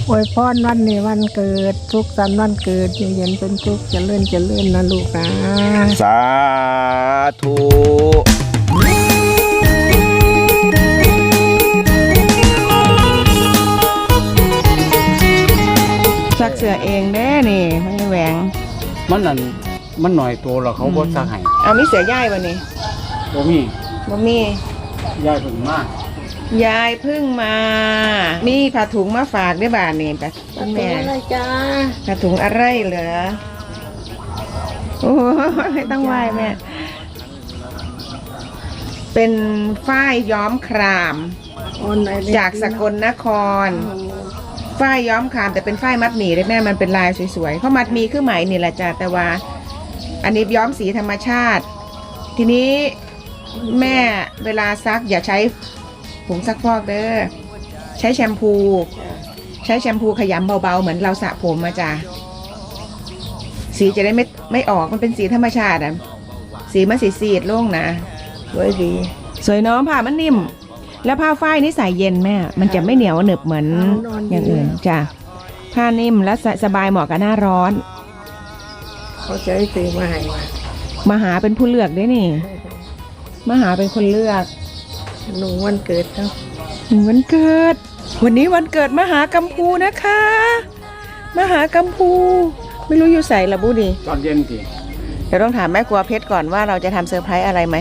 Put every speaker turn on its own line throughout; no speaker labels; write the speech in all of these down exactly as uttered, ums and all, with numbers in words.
อวยพรวันนี้วันเกิดทุกสันวันเกิดอยู่เย็นเป็นทุกเจริญเจริญนะลูกนะ
สาธุ
ซักเสื้อเองเด้นี่ไม่แหวง
มันนั่นมันหน่อยตัวแล้วเขาบ่ซักให้
เอามีเสือย่ายวันนี้
บ่มี
บ่มี
ย่ายเพิ่งมาย
ายเพิ่งมามีผ้าถุงมาฝากด้วยบ้านนี่แบบแม่
อะไรจ้า
ผ้าถุงอะไรเหรอโอ้ไม่ต้องไหว้แม่เป็นฝ้ายย้อมครามจากสกลนครฝ้ายย้อมครามแต่เป็นฝ้ายมัดหมี่เลยแม่มันเป็นลายสวยๆเพราะมัดหมี่คือไหมนี่แหละจ้ะแต่ว่าอันนี้ย้อมสีธรรมชาติทีนี้แม่เวลาซักอย่าใช้ผงซักฟอกเด้อใช้แชมพูใช้แชมพูขยำเบาๆเหมือนเราสระผมมาจ้ะสีจะได้ไม่ไม่ออกมันเป็นสีธรรมชาติอ่ะสีมันสีสีดโล่งนะสวยดีสวยน้องผ้ามันนิ่มแล้วผ้าฝ้ายนี่ใส่เย็นแม่มันจะไม่เหนียวหนึบเหมือนอย่างอื่นจ้ะผ้านิ่มและสบายเหมาะกับหน้าร้อน
เขาจะให้ซื้อมาให้มา
มาหาเป็นผู้เลือกด้วยนี่มาหาเป็นคนเลือก
หนูวันเกิดครับ
หนูวันเกิดวันนี้วันเกิดมหากัมพูนะคะมหากัมพูไม่รู้อยู่ใส่ละบุดี
ตอนเย็นที
เดี๋ยวต้องถามแม่กลัวเพชรก่อนว่าเราจะทำเซอร์ไพรส์อะไรไหม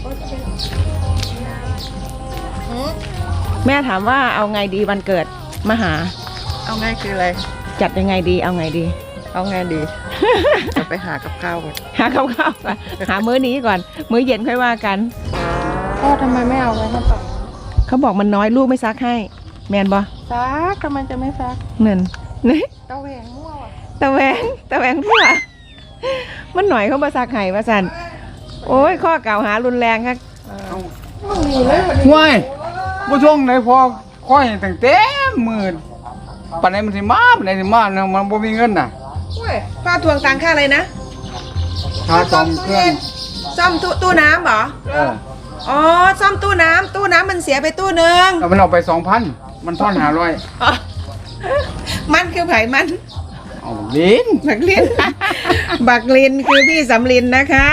แม่ถามว่าเอาไงดีวันเกิดมหา
เอาไงคืออะไร
จัดยังไงดีเอาไงดี
เอาไงดีจะไปหากับข้าวก่อน
หากับข้าวก่อนหามื้อนี้ก่อนมื้อเย็นค่อยว่ากัน
พ่อทำไมไม่เอาไว้มาต่อ
เขาบอกมันน้อยลูกไม่ซักให้แมนบอ
ซักทำไมจะไม่ซัก
เงินนี่
ตะแหวงมั่ว
ตะแหวงตะแหวงทั่วมันหน่อยเขามาซักให้มาสันโอ้ยข้อกล่าวหารุนแรงครับ
ว้ายผู้ช่วงไหนพอค่อยตั้งเต็มมือปันไหนมันสิมาปันไหนสิมาเนี่ยมันบ่มีเงินน่ะ
ป้าทวงตังค่าอะไรนะ
ค่าซ่อมเครื่อง
ซ่อมตู้ตู้น้ำเหรอ
เออ
อ๋อซ่อมตู้น้ำตู้น้ำมันเสียไปตู้หนึ่ง
แล้วมันเอาไปสองพันมันทอนหาร้อย
มันคือไผ่มัน
เอาลิ้น
บักลินบักลินคือพี่สำลินนะคะ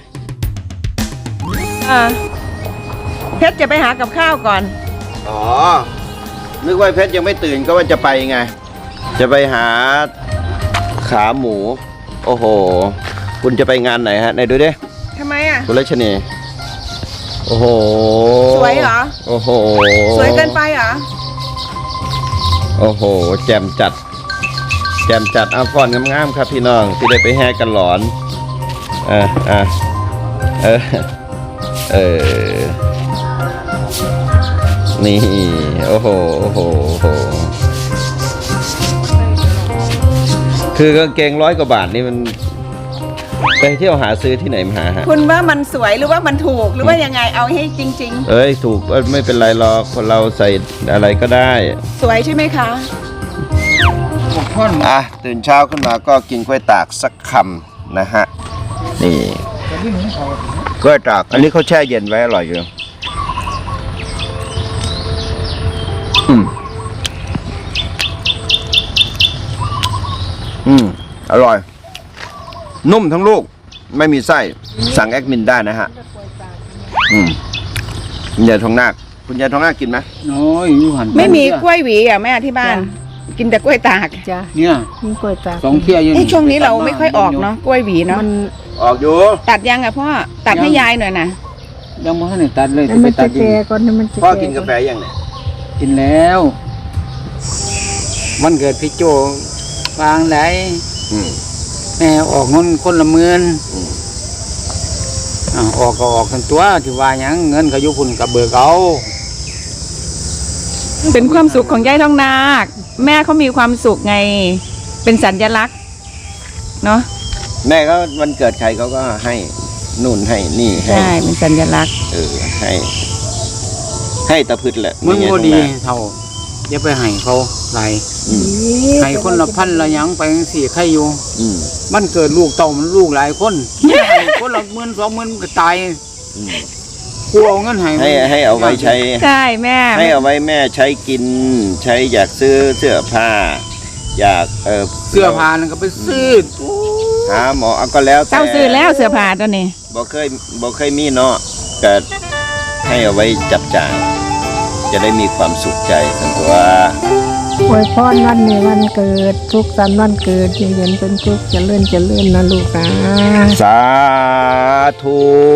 อ่าเพชรจะไปหากับข้าวก่อน
อ๋อนึกว่าเพชรยังไม่ตื่นก็ว่าจะไปไงจะไปหาขาหมูโอ้โหคุณจะไปงานไหนฮะไหนดูดิ
ทำไมอ่ะ
คุณรัชนีโอ้โห
สวยเหรอ
โอ้โห
สวยเกินไปเหรอ
โอ้โหแจ่มจัดแจ่มจัดเอาก่อนงามๆครับพี่น้องที่ได้ไปแห่กันหลอนอ่าอ่าเออเออนี่โอ้โหโอ้โหโอ้โหคือกางเกงร้อยกว่าบาทนี่มันไปเที่ยวหาซื้อที่ไหนมาหาฮะ
คุณว่ามันสวยหรือว่ามันถูกหรือว่ายังไงเอาให้จริง
ๆเอ้ยถูกไม่เป็นไรหรอกคนเราใส่อะไรก็ได้
สวยใช่ไหมคะ
อ่ะตื่นเช้าขึ้นมาก็กินกล้วยตากสักคำนะฮะนี่กล้วยตากอันนี้เขาแช่เย็นไว้อร่อยอยู่อืมอืมอร่อยนุ่มทั้งลูกไม่มีไส้สั่งแอดมินได้นะฮะอืมคุณยายทองนาคคุณยายทองนาคกินไหม
น้อยอยู่หัน
ไม่มีกล้วยหวีอ่ะแม่ที่บ้านกินแต่กล้วยตาก
จ้ะ
เนี่ย
มีกล้วยตาก
สองเที่ยยัง
ช่วงนี้เราไม่ค่อยออกเนาะกล้วยหวีเนาะ
มัน
ออกอยู่
ตัดยังอ่ะพ่อตัดให้ยายหน่อยนะ
ยังไม่ทันได้ตัดเลย
มันจะแก่ก่อนมันจะ
พ่อกินกาแฟยังเนี่ย
กินแล้ววันเกิดพี่โจวางไหนแม่ออกเงินคนละหมื่นออกก็ออกกันตัวที่ว่าอย่างเงินเขายุคุณกับเบิกเอา
เป็นความสุขของยายทองนาคแม่เขามีความสุขไงเป็นสัญลักษณ์เนาะ
แม่ก็วันเกิดใครเขาก็ให้นู่นให้นี่ให้
ใช่เป็นสัญลักษณ์
เออให้ให้ตะพืชแหละ
มึงก็ดีเท่าอย่าไปให้เขาไรให้คนละพันละยังไปสี่ใครอยู่มันเกิดลูกเต่ามันลูกหลายคนให้คนละหมื่นสองหมื่นก็ตายกูเอาเงินให้
ให้ให้เอาไว้ใช้
ใช่แม่
ให้เอาไว้แม่ใช้กินใช้อยากซื้อเสื้อผ้าทอยากเออ
เสื้อผ้านั่นก็ไปซื้อ
หาหมอเอาก็แล้วแต่
เจ้าซื้อแล้วเสื้อผ้าตัวนี้
บ่เคยบ่เคยมีเนาะก็ให้เอาไว้จับจ่ายจะได้มีความสุขใจทั้งตัว
อวยพรวันนี้วันเกิดทุกสันต์วันเกิดอยู่เย็นเป็นทุกข์เจริญเจริญนะลูกนะ
สาธุ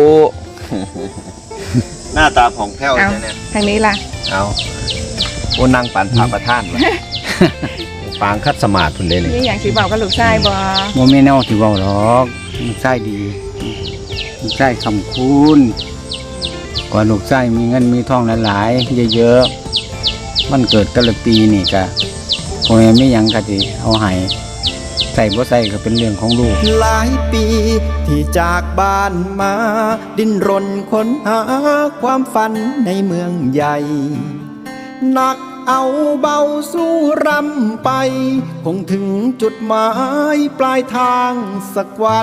หน้าตาผ่องแผ้ว
เอา
ใช่เนี่ย
ทางนี้ล่ะ
เอาโอ้นั่งปันพาประท่านวะ ปางคัดสมาธิพุ่นเลยนี่
นี่อย่างสีเบากับลูกชายบ่
บ่แม่นแนวที่เว้าหรอกลูกชายดีลูกชายคำคุณกว่าลูกชายมีเงินมีทองหลายๆเยอะๆมันเกิดแต่ละปีนี่ก็พ่อแม่มีหยังก็สิเอาให้ใส่บ่ใส่ก็เป็นเรื่องของลูก
หลายปีที่จากบ้านมา ดิ้นรนค้นหาความฝันในเมืองใหญ่หนักเอาเบาสู้รำไป คงถึงจุดหมายปลายทางสักวัน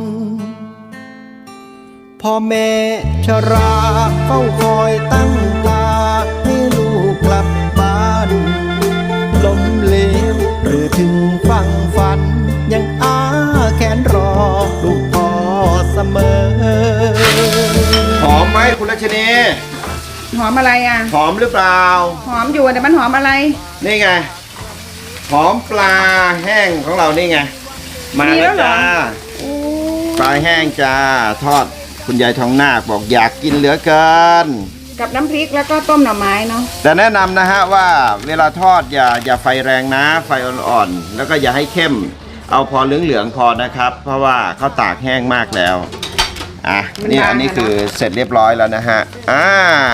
พ่อแม่ชราเฝ้าคอยตั้งตาให้ลูกกลับบ้านล้มเหลวหรือถึงฟังฝัน ยังอาแขนรอลูกพ่อเสมอ
หอมไหมคุณรัชนี
หอมอะไรอ่ะ
หอมหรือเปล่า
หอมอยู่แต่มันหอมอะไร
นี่ไง หอมปลาแห้งของเรานี่ไง มา
มีแล้
แล้ว
วเหรอ
จ้าปลาแห้งจ้าทอดคุณยายทองนาคบอกอยากกินเหลือเกิน
กับน้ำพริกแล้วก็ต้มหน่อไม้เนาะ
แต่แนะนำนะฮะว่าเวลาทอดอย่าอย่าไฟแรงนะ ไฟอ่อนๆแล้วก็อย่าให้เข้ม เอาพอเหลืองๆพอนะครับ เพราะว่าเขาตากแห้งมากแล้วอ่ะนี่อันนี้คือเสร็จเรียบร้อยแล้วนะฮะอ่า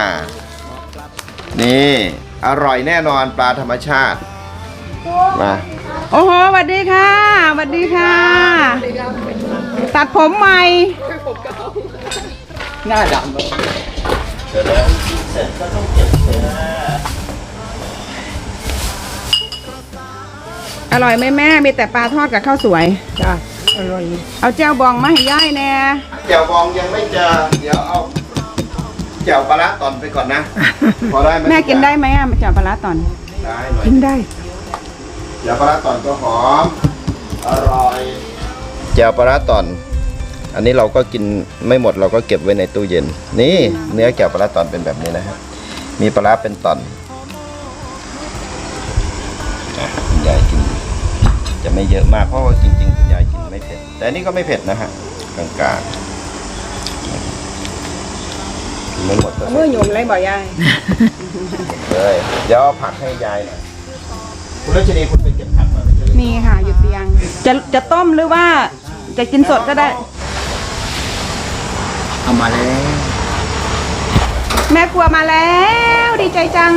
นี่อร่อยแน่นอนปลาธรรมชาติมา
โอ้โหสวัสดีค่ะสวัสดีค่ะ ตัดผมใหม่
หน้าดำ
เสร็จแล้วเสร็จก็ต้องเก็บเลยนะ
อร่อยไหมแม่ มีแต่ปลาทอดกับข้าวสวย
จ้าอร่อย
เอาแจ่วบองมาให้ย่ายแน่
แจ่วบองยังไม่เจอเดี๋ยวเอาแจ่วปลาร้าตอนไปก่อนนะ พอได้ไหม
แม่กินได้ไหมอ่ะแจ่วปลาร้าตอน
ได้หน่อย
กินได้
แจ่วปลาร้าตอนก็หอมอร่อยแจ่วปลาร้าตอน อันนี้เราก็กินไม่หมดเราก็เก็บไว้ในตู้เย็น นี่เนื้อแจ่วปลาร้าตอนเป็นแบบนี้นะฮะมีปลาร้าเป็นตอนอ่ะคุณยายกิน จะไม่เยอะมากเพราะว่าจริงๆคุณยายกินไม่เผ็ดแต่อันนี้ก็ไม่เผ็ดนะฮะกลางๆกินไม่หมดก็
เอามือหยุ่มเลยบ่ยาย
เลยเดี๋ยวเอาผักให้ยายหน่อยคุณรัชนีคุณไปเก็บผักมาไม่ใช่เหรอ
มีค่ะอยู่เตียง จะจะต้มหรือว่าจะกินสดก็ได้
เอามาแล้ว
แม่ครัวมาแล้ว ดีใจจัง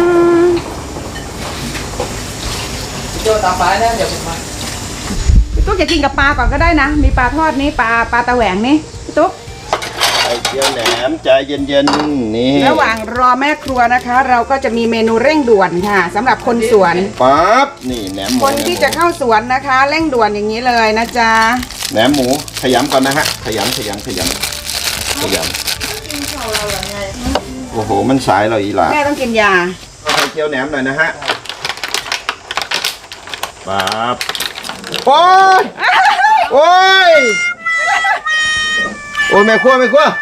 โยตาฟ้าแล้วเดี๋ยวผมมา
พี่ตุ๊กจะกินกับปลาก่อนก็ได้นะ มีปลาทอดนี้ปลาปลาตะแหวงนี่พี่ตุ๊ก
ไข่เจียวแหนมใจเย็นๆนี่
ระหว่างรอแม่ครัวนะคะ เราก็จะมีเมนูเร่งด่วนค่ะสำหรับคนสวน
ปั๊บนี่แหนมหมู
คนที่จะเข้าสวนนะคะ เร่งด่วนอย่างนี้เลยนะจ๊ะ
แหนมหมูขยำก่อนนะฮะขยำขยำขยำขยำโอ้โหมันสายเราอีหล่ะ
แม่ต้องกินยา
ไข่เจียวแหนมหน่อยนะฮะปั๊บโอ้ยโอ้ยโอ้ยแม่ครัวแม่ครัว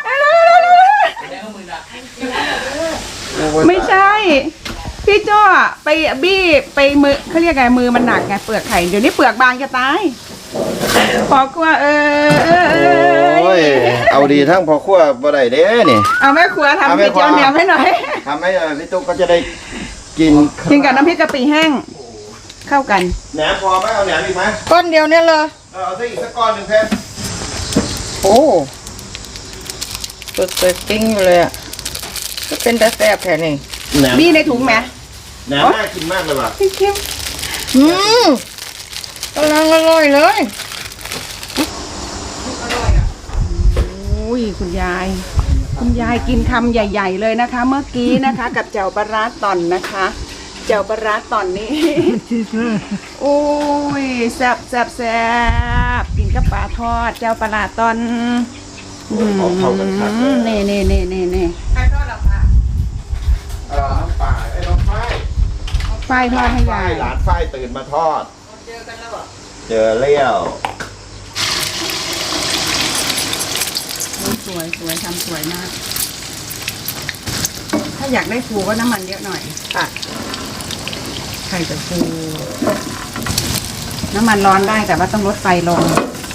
ไม่ใช่ พี่โจ้ไปบี้ไปมือเขาเรียกไงมือมันหนักไงเปลือกไข่เดี๋ยวนี้เปลือกบางจะตายพอกลัวเออเออเอ
โอ้ย เอาดีทั้งพอขั้วบ่ได้เด้นี่
เอาแม่ครัว
เอา
ทำ
แม่
ก๋วย
ครัว
เตี๋ยวเหนียวให้หน่อย
ทำให้เอ่อพี่ตุ๊กก็จะได้กิน
กินกับน้ำพริกกะปิแห้ง เข้ากัน
แหนมพอไหมเอาแหนมอีกไหม
ก้อนเดียวเนี่ยเลย
เออเอาซะอีกสักก้อนหนึ่งเพชร
โอ้เปิดเปิดกิ้งอยู่เลยอ่ะก็เป็นแต่แซ่บแค่นี้
แหนม
บี้ในถุงไหม
แหนมน่ากินมากเลยว่ะ
เค็มอืมกำลังอร่อยเลยอุ้ยคุณยาย คุณยายกินคำใหญ่ ๆ เลยนะคะ เมื่อกี้นะคะ กับแจ่วปลาร้าต่อนนะคะแจ่วปลาร้าต่อนนี้โอ้ยแซ่บแซ่บแซ่บกินกับปลาทอดแจ่วปลาร้าต่อน
ของเข้ากันครับ
อืมเน่เน่เน่เน่เน่ใครทอดหรอคะ
เออน้องป่าไอ้น้องฝ้าย
ฝ้ายทอดให้ยาย
หลานฝ้ายตื่นมาทอดเจอเลี้ยว
สวยสวยทำสวยมาก ถ้าอยากได้ฟูก็น้ำมันเยอะหน่อยค่ะไข่จะฟู น้ำมันร้อนได้แต่ว่าต้องลดไฟลง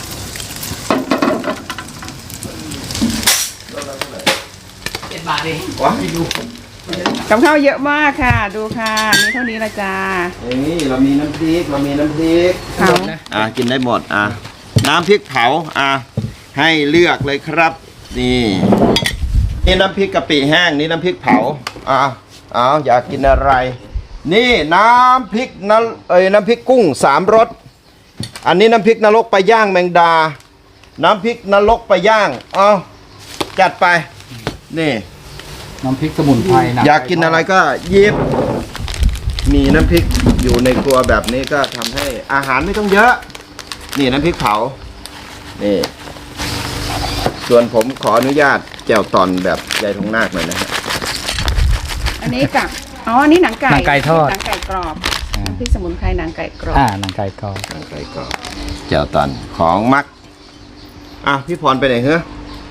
ว้า
กับข้าวเยอะมากค่ะ ดูค่ะมีเท่านี้ละจ้า
นี่เรามีน้ำพริกเรามีน้ำพริก
เผา
อ่ะกินได้หมดอ่ะน้ำพริกเผาอ่ะให้เลือกเลยครับ นี่นี่น้ำพริกกะปิแห้งนี่น้ำพริกเผาอ่ะเอาอยากกินอะไร นี่น้ำพริกนรเอ้ยน้ำพริกกุ้งสามรสอันนี้น้ำพริกนรกปลาย่างแมงดา น้ำพริกนรกปลาย่างเอาจัดไปนี่
น้ำพริกสมุนไพรนะ
อยากกินอะไรก็หยิบ มีน้ำพริกอยู่ในครัวแบบนี้ก็ทำให้อาหารไม่ต้องเยอะ นี่น้ำพริกเผา นี่ ส่วนผมขออนุญาตแจ่วตอนแบบใหญ่ทงนาคหน่อยนะฮะ
อันนี้กับอ๋ออันนี้หนังไก่
หนังไก่ทอด
หนังไก่กรอบน้ำพริกสมุนไพรหนังไก่กรอบ
อ่าหนังไก่กรอบ
ไก่กรอบแจ่วตอนของมัก อ่ะพี่พรไปไหนเหรอ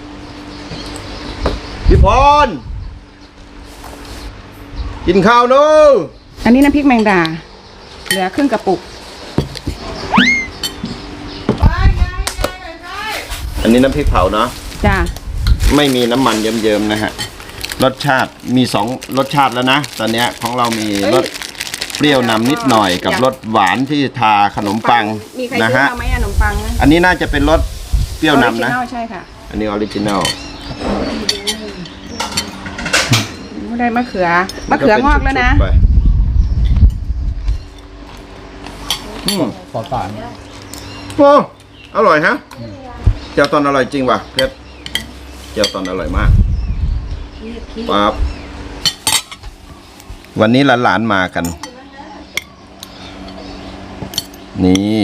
พี่พร กินข้าวนู้
อันนี้น้ำพริกแมงดา เหลือครึ่งกระปุก
อันนี้น้ำพริกเผาเนาะ
จ้า
ไม่มีน้ำมันเยิ้มๆนะฮะ รสชาติมีสองรสชาติแล้วนะ ตอนเนี้ยของเรามีรสเปรี้ยวนำนิดหน่อยกับรสหวานที่ทาขนมปัง
มีใคร
นะ
ซื้อ
ฮะ
มาไหมอะขนมปังนะ
อันนี้น่าจะเป็นรสเปรี้ยวนำนะ
ออริจิลใช่ค่ะ
อันนี้ออริจินัล
ได้มะเขือ มะเขืองอกแล้วนะ
ไปอืม
ขอสาร
โอ้อร่อยฮะเจียวตอนอร่อยจริงว่ะเพชรเจียวตอนอร่อยมากปั๊บวันนี้หลานๆมากัน นี่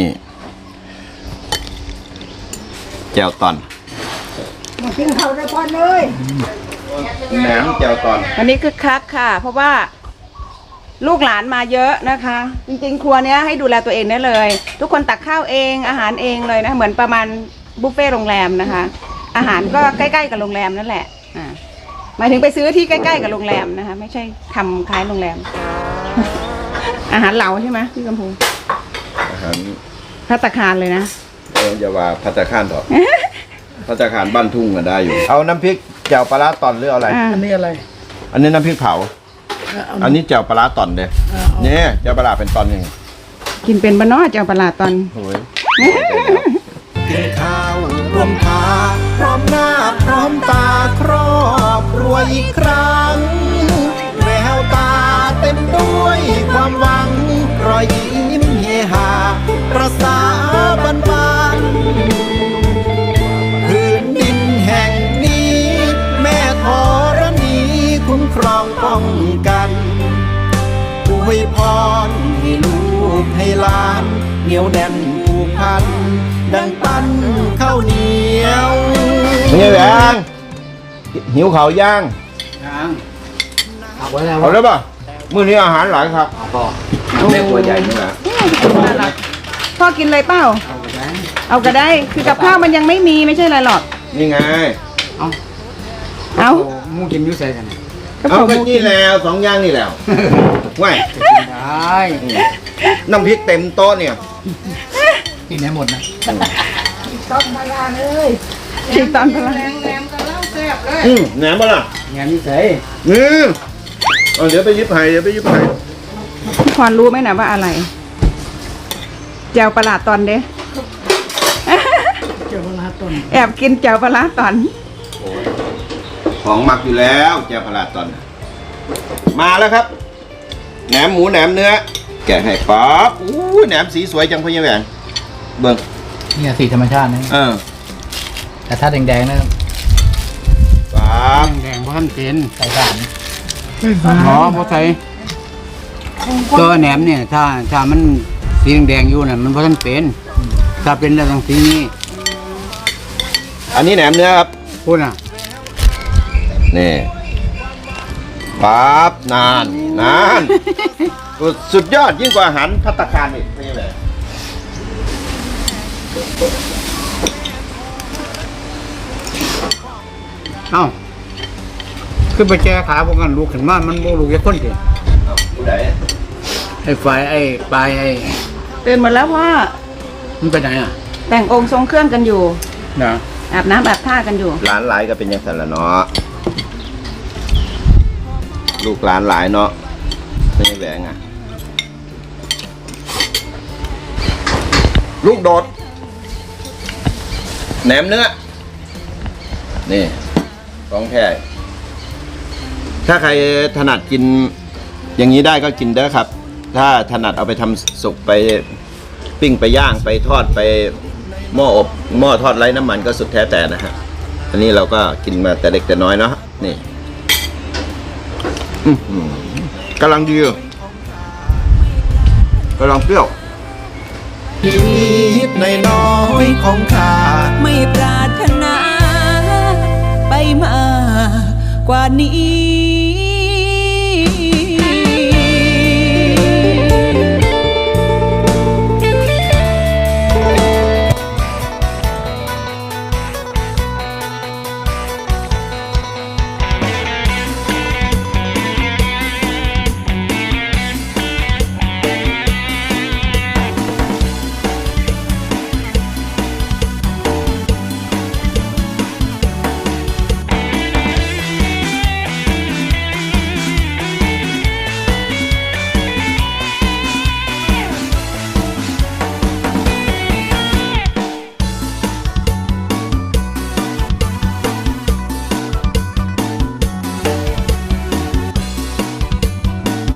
แจ่วตอน
กินข้าวได้พอเลย
แหนมแจ่วตอน
วันนี้คึกคักค่ะ เพราะว่าลูกหลานมาเยอะนะคะ จริงๆ ครัวเนี้ยให้ดูแลตัวเองได้เลย ทุกคนตักข้าวเองอาหารเองเลยนะเหมือนประมาณบุฟเฟ่ต์โรงแรมนะคะ อาหารก็ใกล้ๆกับโรงแรมนั่นแหละอ่าหมายถึงไปซื้อที่ใกล้ๆกับโรงแรมนะคะ ไม่ใช่ทำคล้ายโรงแรม อาหารเหลาใช่ไหมพี่กำพู
อาหาร
ภัตตาคารเลยนะ
เอออย่าว่าพัตตาคาร เถอะ พัตตาคารบ้านทุ่งก็ได้อยู่ เอาน้ำพริกแจ่วปลาร้าตอนหรืออะไร
อ่า
อันนี้อะไร
อันนี้น้ำพริกเผา อันนี้แจ่วปลาร้าตอนเด้เนี่ยแจ่วปลาร้าเป็นตอนยังไง
กินเป็นบะเนอเจ้าปลาร้าตอน
โอ้ย
กินข้าวรวมพาพร้อมหน้าพร้อมตาครอบครัวอีกครั้ง แววตาเต็มด้วยความหวัง รอยยิ้มเฮฮาประสาบันบานพื้นดินแห่งนี้ แม่ธรณีคุ้มครองป้องกันอวยพรให้ลูกให้หลานเหนียวแน่นผูกพัน ดังปั้นข้าวเหนียว
นี่แหวงหิวเขาวย่าง
ยังเอาไว้แล้ว
เอาแล้วป่ะมื้อนี้อาหารหลายครับ
พ่อ
แม่ตัวใหญ่นี่แหละ
น่ารักพ่อกินเลยเปล่า เอาก็ได้ คือกับข้าวมันยังไม่มีไม่ใช่อะไรหรอก
นี่ไง
เอา
เอา
มูกินอยุ่ใส่กันเนี่ย
ก็
เอา
ผม
ไปนี่แล้วสองอย่างนี่แล้วว้าย
ได้
น้ำพริกเต็มโต๊ะเนี่ย
กินได้หมดนะ
ต้องมาลาเลย
ฉีกตอนพลัง
อืมแหนมป่ะล่ะ
งานนี้ใส่
อืมเอาเดี๋ยวไปยิบไผ่เดี๋ยวไปยิบไผ่
พี่พรรู้ไหมนะว่าอะไรแจวปลาร้าตอนเด้
เจ้าเวลาต้น
แอบกินแจวปลาร้าตอน
ของหมักอยู่แล้วแจ่วปลาร้าตอน มาแล้วครับ แหนมหมูแหนมเนื้อ แกะให้ป๊อปอู้ยแหนมสีสวยจังพ่อใหญ่แหวงเบิ่ง
เนี่ยสีธรรมชาตินะ
เออ
แต่ถ้าแดงๆนะ
ป๊อป
แดงๆเพราะท่านเป็นใส่สารอ๋อเพราะใส่ตัวแหนมเนี่ยถ้าถ้ามันสีแดงๆอยู่น่ะมันเพราะท่านเป็นถ้าเป็นแล้วต้องสีนี้
อันนี้แหนมเนื้อครับ
พูดน่ะ
นี่ป๊อปนานนานสุดยอดยิ่งกว่าอาหารภัตตาคารอีกพ่อใหญ่แหวง
เอ้าขึ้นไปแก้ขาพวกกันลูกขึ้นมามันโมลูกแค่คนเดียว
ผู้ใด
ไอ้ไฟไอ้ปลายไอ้
ตื่นหมดแล้วพ่อ
มันไปไหนอ่ะ
แต่งองค์ทรงเครื่องกันอยู่
นะ
อาบน้ำอาบท่ากันอยู่
ร้านหลายก็เป็นอย่างนั้นแหละเนาะลูกหลานหลายเนาะไม่ใช่แหวงอ่ะลูกโดดแหนมเนื้อนี่ของแท้ถ้าใครถนัดกินอย่างนี้ได้ก็กินได้ครับ ถ้าถนัดเอาไปทำสุกไปปิ้งไปย่างไปทอดไปหม้ออบหม้อทอดไร้น้ำมันก็สุดแท้แต่นะฮะอันนี้เราก็กินมาแต่เด็กแต่น้อยเนาะนี่อื้อหือกำลังดีกำลังเปรี้ยว
ชีวิตน้อยๆของข้า
ไม่ปรารถนาไปมากกว่านี้